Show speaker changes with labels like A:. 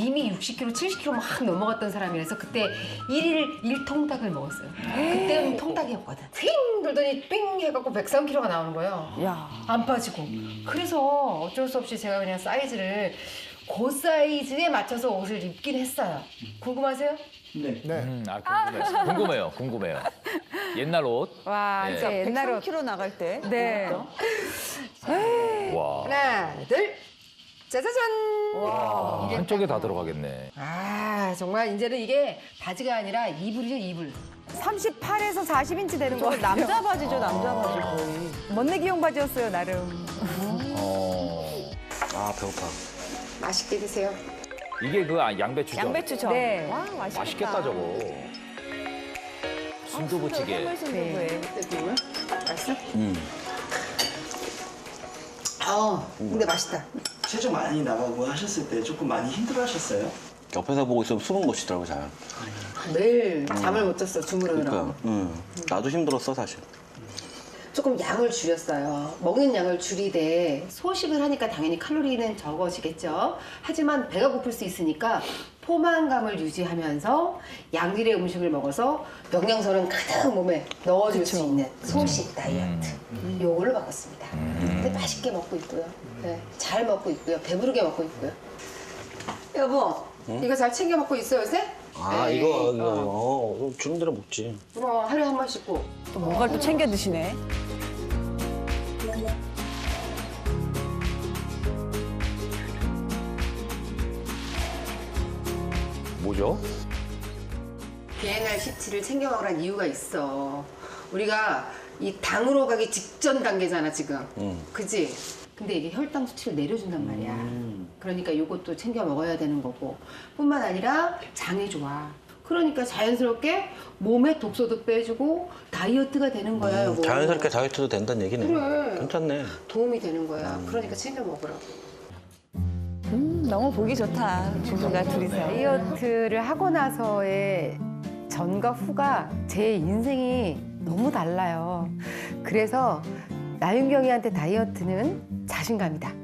A: 이미 60kg, 70kg 막 넘어갔던 사람이라서 그때 일일 1통닭을 먹었어요. 그때는 통닭이었거든. ting 돌더니 삥 해갖고 103kg가 나오는 거예요.
B: 야.
A: 안 빠지고. 그래서 어쩔 수 없이 제가 그냥 사이즈를 그 사이즈에 맞춰서 옷을 입긴 했어요. 궁금하세요?
C: 네.
D: 궁금해요. 궁금해요. 옛날 옷.
B: 와,
D: 네.
B: 진짜 옛날 옷.
E: 103kg 나갈 때.
B: 네.
D: 와.
A: 하나, 둘, 짜자잔!
D: 한쪽에 다 들어가겠네.
A: 아, 정말 이제는 이게 바지가 아니라 이불이죠, 이불.
B: 38에서 40인치 되는 거.
E: 남자 바지죠, 남자 바지 거의.
B: 멋내기용 바지였어요, 나름.
C: 아, 배고파.
A: 맛있게 드세요.
D: 이게 그 양배추죠?
E: 양배추전.
B: 네.
E: 와, 맛있겠다.
D: 맛있겠다 저거. 순두부찌개.
E: 해물 순두부에.
A: 맛있어? 아, 근데 맛있다.
C: 체중 많이 나가고 하셨을 때 조금 많이 힘들어하셨어요?
F: 옆에서 보고 있으면 숨은 못 쉬더라고 잘.
A: 매일 잠을 못 잤어, 주무르느라고.
F: 그러니까, 나도 힘들었어 사실.
A: 조금 양을 줄였어요. 먹는 양을 줄이되 소식을 하니까 당연히 칼로리는 적어지겠죠. 하지만 배가 고플 수 있으니까 포만감을 유지하면서 양질의 음식을 먹어서 영양소는 가득 몸에 넣어줄 수 있는 소식 다이어트. 요걸로 바꿨습니다. 근데 맛있게 먹고 있고요. 네, 잘 먹고 있고요. 배부르게 먹고 있고요. 여보, 이거 잘 챙겨 먹고 있어요, 요새?
F: 아
A: 네.
F: 이거 주는 대로 먹지.
A: 그럼 하루에 한 번씩 꼭.
E: 또 뭔가를 또 챙겨 드시네.
D: 뭐죠?
A: 비엔날 17을 챙겨 먹으란 이유가 있어. 우리가 이 당으로 가기 직전 단계잖아, 지금. 그지? 근데 이게 혈당 수치를 내려준단 말이야. 그러니까 이것도 챙겨 먹어야 되는 거고. 뿐만 아니라 장이 좋아. 그러니까 자연스럽게 몸에 독소도 빼주고 다이어트가 되는 거야, 여보.
F: 자연스럽게 다이어트도 된다는 얘기네.
A: 그래.
F: 괜찮네.
A: 도움이 되는 거야. 그러니까 챙겨 먹으라고.
E: 너무 보기 좋다. 부부가 둘이서.
B: 다이어트를 하고 나서의 전과 후가 제 인생이 너무 달라요. 그래서 나윤경이한테 다이어트는 자신감이다.